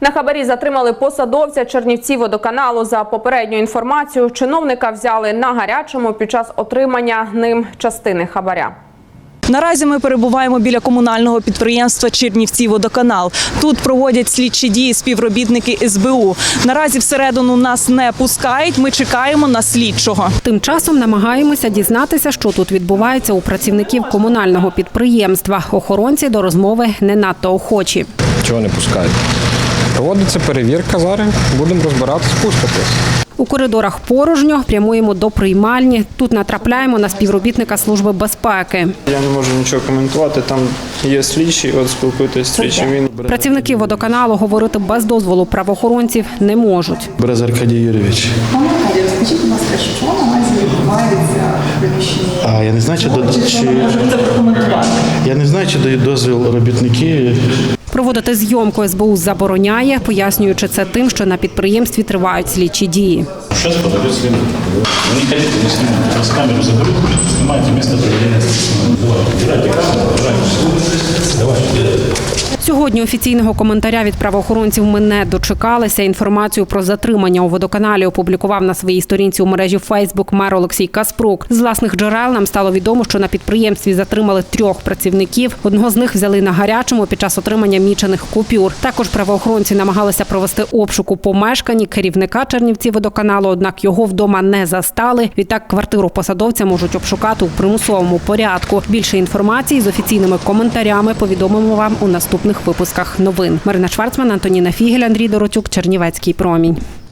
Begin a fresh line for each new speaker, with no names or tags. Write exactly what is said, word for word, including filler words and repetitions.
На хабарі затримали посадовця Чернівцівводоканалу. За попередньою інформацією, чиновника взяли на гарячому під час отримання ним частини хабаря.
Наразі ми перебуваємо біля комунального підприємства «Чернівцівводоканал». Тут проводять слідчі дії співробітники ес бе у. Наразі всередину нас не пускають, ми чекаємо на слідчого.
Тим часом намагаємося дізнатися, що тут відбувається у працівників комунального підприємства. Охоронці до розмови не надто охочі.
Чого не пускають? Проводиться перевірка зараз, будемо розбиратися, пуститись.
У коридорах порожньо, прямуємо до приймальні. Тут натрапляємо на співробітника Служби безпеки.
Я не можу нічого коментувати, там є слідчий, от спілкуйтесь з слідчим. Він...
Працівники водоканалу говорити без дозволу правоохоронців не можуть.
Берез Аркадій Юрійович.
Пане Аркадій, розкажіть, будь ласка, що наразі відбувається в приміщенні?
А я не знаю, чи, до...
Чи,
чи...
ви можете прокоментувати?
Я не знаю, чи дають дозвіл робітники.
Проводити зйомку ес бе у забороняє, пояснюючи це тим, що на підприємстві тривають слідчі дії.
Сейчас подойдет следователь. Вы не хотите, не снимайте. Вас камеру заберут, снимайте место проведения следственного дела. Убирайте камеру, убирайте. Давайте.
Сьогодні офіційного коментаря від правоохоронців ми не дочекалися. Інформацію про затримання у водоканалі опублікував на своїй сторінці у мережі Фейсбук мер Олексій Каспрук. З власних джерел нам стало відомо, що на підприємстві затримали трьох працівників. Одного з них взяли на гарячому під час отримання мічених купюр. Також правоохоронці намагалися провести обшук у помешканні керівника Чернівцівводоканалу, однак його вдома не застали. Відтак квартиру посадовця можуть обшукати у примусовому порядку. Більше інформації з офіційними коментарями повідомимо вам у наступних випусках новин. Марина Шварцман, Антоніна Фігель, Андрій Доротюк, Чернівецький промінь.